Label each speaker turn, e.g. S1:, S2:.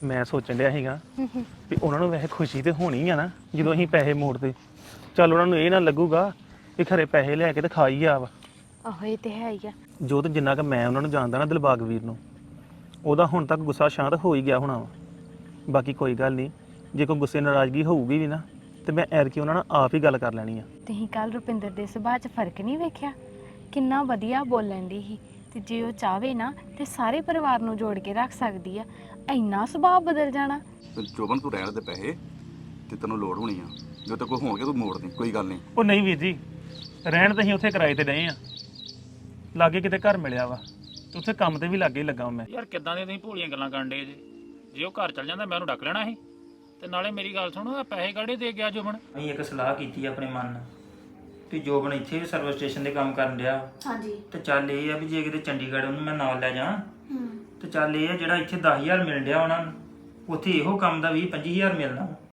S1: ਮੈਂ ਸੋਚਣ ਡਿਆ ਸੀਗਾ ਵੀ ਉਹਨਾਂ ਨੂੰ ਵੈਸੇ ਖੁਸ਼ੀ ਤੇ ਹੋਣੀ ਆ ਨਾ ਜਦੋਂ ਅਸੀਂ ਪੈਸੇ ਮੋੜਦੇ। ਚੱਲ ਉਹਨਾਂ ਨੂੰ ਇਹ ਨਾ ਲੱਗੂਗਾ ਵੀ ਖਰੇ ਪੈਸੇ ਲੈ ਕੇ ਤੇ ਖਾ ਹੀ ਆ ਵਾ।
S2: ਆਹੋ ਇਹ ਤੇ ਹੈ ਹੀ ਆ।
S1: ਜੋ ਤੇ ਜਿੰਨਾ ਕਿ ਮੈਂ ਉਹਨਾਂ ਨੂੰ ਜਾਣਦਾ ਨਾ ਦਿਲਬਾਗ ਵੀਰ ਨੂੰ, ਉਹਦਾ ਹੁਣ ਤੱਕ ਗੁੱਸਾ ਸ਼ਾਂਤ ਹੋ ਹੀ ਗਿਆ ਹੋਣਾ ਵਾ। ਬਾਕੀ ਕੋਈ ਗੱਲ ਨਹੀਂ, ਜੇ ਕੋਈ ਗੁੱਸੇ ਨਾਰਾਜ਼ਗੀ ਹੋਊਗੀ ਵੀ ਨਾ ਤੇ ਮੈਂ ਐਰਕੀ ਉਹਨਾਂ ਨਾਲ ਆਪ ਹੀ ਗੱਲ ਕਰ ਲੈਣੀ ਆ।
S2: ਤੁਸੀਂ ਕੱਲ ਰੁਪਿੰਦਰ ਦੇ ਸੁਭਾਅ 'ਚ ਫਰਕ ਨਹੀਂ ਵੇਖਿਆ? ਕਿੰਨਾ ਵਧੀਆ ਬੋਲਣ ਦੀ ਸੀ ਤੇ ਜੇ ਉਹ ਚਾਹਵੇ ਨਾ ਤੇ ਸਾਰੇ ਪਰਿਵਾਰ ਨੂੰ ਜੋੜ ਕੇ ਰੱਖ ਸਕਦੀ ਆ। ਇੰਨਾ ਸੁਭਾਅ ਬਦਲ ਜਾਣਾ।
S3: ਤੇ ਜੋਬਨ ਤੂੰ ਰਹਿਣ ਦੇ ਪੈਸੇ ਤੇ ਤੈਨੂੰ ਲੋੜ ਹੋਣੀ ਆ, ਜੋ ਤੇ ਕੋਈ ਹੋਣਗੇ ਤੂੰ ਮੋੜ ਦੇ, ਕੋਈ ਗੱਲ ਨਹੀਂ।
S1: ਉਹ ਨਹੀਂ ਵੀਰ ਜੀ, ਰਹਿਣ ਤਾਂ ਅਸੀਂ ਉੱਥੇ ਕਿਰਾਏ ਤੇ ਰਹੇ ਆ, ਲਾਗੇ ਕਿਤੇ ਘਰ ਮਿਲਿਆ ਵਾ ਤੇ ਉੱਥੇ ਕੰਮ ਤੇ ਵੀ ਲਾਗੇ ਹੀ ਲੱਗਾ ਮੈਂ।
S4: ਯਾਰ ਕਿੱਦਾਂ ਦੀਆਂ ਤੁਸੀਂ ਭੋਲੀਆਂ ਗੱਲਾਂ ਕਰਨ ਡੇ ਜੇ ਉਹ ਘਰ ਚੱਲ ਜਾਂਦਾ ਮੈਂ ਉਹਨੂੰ ਡੱਕ ਲੈਣਾ ਸੀ। ਤੇ ਨਾਲੇ ਮੇਰੀ ਗੱਲ ਸੁਣੋ, ਪੈਸੇ ਕਾਹਦੇ ਦੇ ਗਿਆ ਜੁਮਨ?
S5: ਅਸੀਂ ਇੱਕ ਸਲਾਹ ਕੀਤੀ ਆਪਣੇ ਮਨ ਨਾਲ ਕਿ ਜੋਬਨ ਇੱਥੇ ਵੀ ਸਰਵਿਸ ਸਟੇਸ਼ਨ ਦੇ ਕੰਮ ਕਰਨ ਡਿਆ।
S2: ਹਾਂਜੀ।
S5: ਤੇ ਚੱਲ ਇਹ ਆ ਵੀ ਜੇ ਕਿਤੇ ਚੰਡੀਗੜ੍ਹ ਉਹਨੂੰ ਮੈਂ ਨਾਲ ਲੈ ਜਾ ਤੇ ਚੱਲ ਇਹ ਆ ਜਿਹੜਾ ਇੱਥੇ 10,000 ਮਿਲ ਡਿਆ ਉਹਨਾਂ ਨੂੰ, ਉੱਥੇ ਇਹੋ ਕੰਮ ਦਾ 20-25,000 ਮਿਲਣਾ।